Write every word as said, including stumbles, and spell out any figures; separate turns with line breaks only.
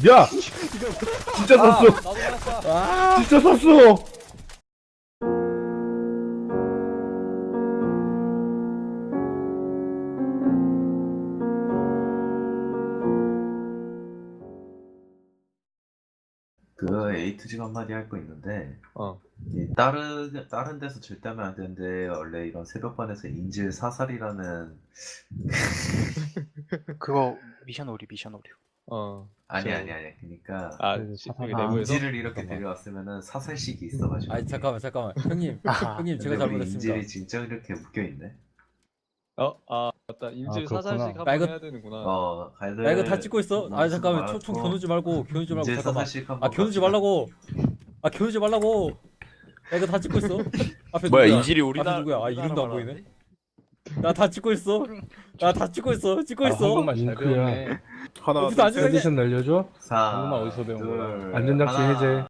야! 진짜
아,
샀어!
나도 샀어.
진짜 샀어!
그 A to G 한마디 할 거 있는데
어.
이 다른 다른 데서 절대 하면 안 되는데 원래 이런 새벽반에서 인질 사살이라는
그거 미션 오류 미션 오류.
어.
아니
저-
아니 아니 그러니까
아,
네,
시-
사살-
여기
아,
내부에서.
인질을 이렇게
잠깐만.
데려왔으면은 사살식이 있어가지고
아니 잠깐만 잠깐만 형님
아하.
형님 제가
근데 우리
잘못했습니다.
인질이 진짜 이렇게 묶여 있네.
어, 아, 맞다. 인질
아, 그렇구나.
사살식
나
한번
이거-
해야 되는구나.
어 가이드
야 이거 다 찍고 있어. 아 잠깐만 총, 총 겨누지 말고 겨누지 말고
인질
잠깐만.
사살식 한번
아 겨누지
갑시다.
말라고. 아 겨누지 말라고. 야 이거 다 찍고 있어. 앞에
뭐야
누구야?
인질이 우리나라
앞에 누구야? 아
우리나라
이름도 안
말하는데?
보이네. 나 다 찍고 있어. 나 다 찍고 있어. 찍고
아,
있어.
한국말 잘
링크야.
배웠네.
하나
어디서 안
둘, 셋.
찍었냐?
컨디션 날려줘?
사,
방금만 어디서 배운
둘,
거야?
안전장치
하나.
해제.